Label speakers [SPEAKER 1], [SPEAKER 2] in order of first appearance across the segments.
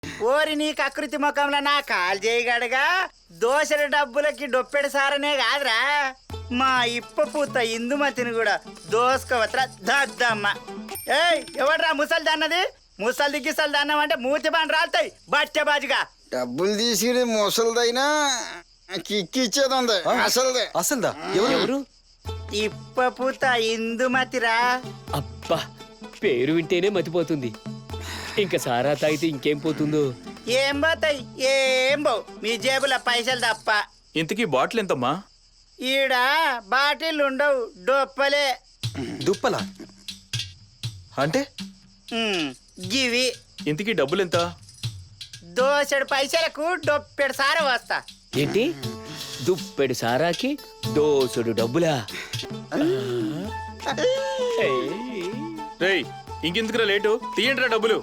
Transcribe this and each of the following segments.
[SPEAKER 1] ఓరి నీ కకృతి ముఖంలో నా కాల్ చేయగడగా దోశల డబ్బులకి డొప్పెడు సారనే కాదురా మా ఇప్ప పూత ఇందుమతిని కూడా దోసుకోవత్రా దద్దమ్మ. ఏయ్ ఎవడ్రా ముసలి దన్నది? ముసలి దిగ్గిసలు దన్నం అంటే మూతి బాని రాలుతాయి బట్టె బాజుగా.
[SPEAKER 2] డబ్బులు తీసుకుని ముసలిదైనా కిక్కిచ్చేది ఉంది అసలుదే.
[SPEAKER 3] అసలుదా? ఎవరు?
[SPEAKER 1] ఇప్ప పూత ఇందుమతిరా.
[SPEAKER 4] అబ్బా పేరు వింటేనే మతిపోతుంది. ఇంకా సారా తాగితే ఇంకేం పోతుందో.
[SPEAKER 1] ఏం పోతాయి? ఏం పోవు, మీ జేబుల పైసలు తప్ప.
[SPEAKER 5] ఇంతకీ బాటిల్ ఎంతమ్మా?
[SPEAKER 1] ఈడ బాటిల్ ఉండవు, డొప్పలే.
[SPEAKER 3] దుప్పలా అంటే?
[SPEAKER 1] గివి
[SPEAKER 5] ఇంతకీ డబ్బులు ఎంత?
[SPEAKER 1] దోసెడు పైసలకు డొప్పెడు సార వస్తా.
[SPEAKER 4] ఏంటి దుప్పెడు సారాకి దోసుడు డబ్బులా?
[SPEAKER 5] రేయ్ ఇంకెందుకురా లేటు, తీయండిరా డబ్బులు.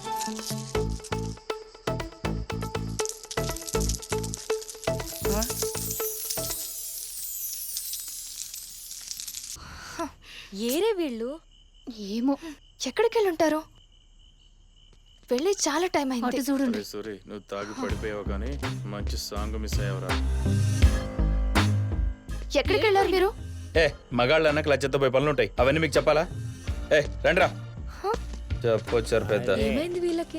[SPEAKER 6] ఏరే వీళ్ళు? ఏమో ఎక్కడికి వెళ్ళి ఉంటారు? వెళ్ళి చాలా టైం అయింది. చూడండి.
[SPEAKER 5] సరే నువ్వు తాగి పడిపోయావు కానీ మంచి సాంగ్ మిస్ అయ్యావురా.
[SPEAKER 6] ఎక్కడికి వెళ్ళారు మీరు?
[SPEAKER 5] మగాళ్ళు అన్నకు లచ్చతో పోయి పనులు ఉంటాయి, అవన్నీ మీకు చెప్పాలా? రండిరా. చెప్పొచ్చారు పెద్ద.
[SPEAKER 6] ఏమైంది వీళ్ళకి?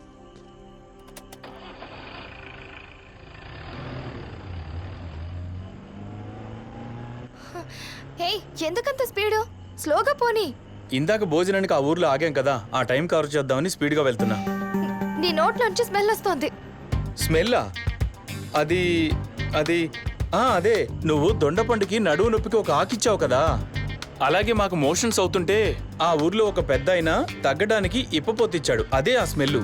[SPEAKER 6] హే ఎందుకంత స్పీడు? స్లోగా పోనీ.
[SPEAKER 5] ఇందాక భోజనానికి ఆ ఊర్లో ఆగాం కదా, ఆ టైం కవర్ చేద్దామని స్పీడ్ గా వెళ్తున్నా.
[SPEAKER 6] నీ నోట్లోంచి స్మెల్ వస్తోంది.
[SPEAKER 5] స్మెల్లా? అది అది అదే నువ్వు దొండపండుకి నడువు నొప్పికి ఒక ఆకిచ్చావు కదా, అలాగే మాకు మోషన్స్ అవుతుంటే ఆ ఊర్లో ఒక పెద్ద ఆయన తగ్గడానికి ఇప్పపోతిచ్చాడు, అదే ఆ స్మెల్.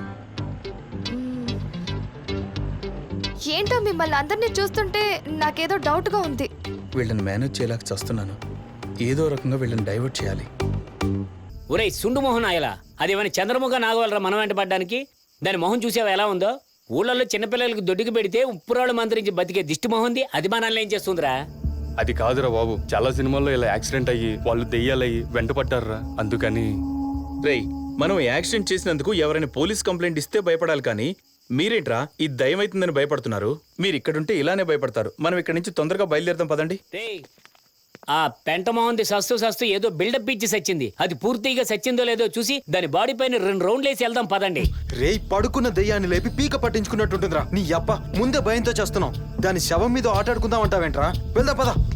[SPEAKER 6] ఏంటో మిమ్మల్ని అందరినీ చూస్తుంటే నాకేదో డౌట్ గా ఉంది.
[SPEAKER 5] వీళ్ళని మేనేజ్ చేయలేక చేస్తున్నాను, ఏదో రకంగా వీళ్ళని డైవర్ట్ చేయాలి.
[SPEAKER 4] ఒరేయ్ సుండు మొహం ఆయలా, అదేమని చంద్రముఖ నాగవలరా మనం వెంట పడ్డానికి? దాని మొహం చూసావా ఎలా ఉందో? ఊళ్ళల్లో చిన్నపిల్లలకి దొడ్డికి పెడితే ఉప్పురాళ్ళు మంత్రించి బతికే దిష్టి మొహంది, అది మనల్ని ఏం చేస్తుందిరా?
[SPEAKER 7] అది కాదురా బాబు, చాలా సినిమాల్లో ఇలా యాక్సిడెంట్ అయ్యి వాళ్ళు దెయ్యాలయ్యి వెంట పడ్డారా, అందుకని.
[SPEAKER 5] రేయ్ మనం యాక్సిడెంట్ చేసినందుకు ఎవరైనా పోలీస్ కంప్లైంట్ ఇస్తే భయపడాలి కానీ మీరేంట్రా ఈ దయ్యం అవుతుందని భయపడుతున్నారు? మీరు ఇక్కడుంటే ఇలానే భయపడతారు. మనం ఇక్కడ నుంచి తొందరగా బయలుదేరదాం పదండి.
[SPEAKER 4] ఆ పెంట మొహంది సస్తూ ఏదో బిల్డప్ ఇచ్చి సచ్చింది, అది పూర్తిగా సచ్చిందో లేదో చూసి దాని బాడీ పైన 2 రౌండ్లు వేసి వెళ్దాం పదండి.
[SPEAKER 3] రేయ్ పడుకున్న దెయ్యాన్ని లేపి పీక పట్టించుకున్నట్టుంటుందిరా. నీ అబ్బ ముందే భయంతో చేస్తున్నాం, దాని శవం మీద ఆటాడుకుందాం అంటావేంట్రా? వెళ్దా పద.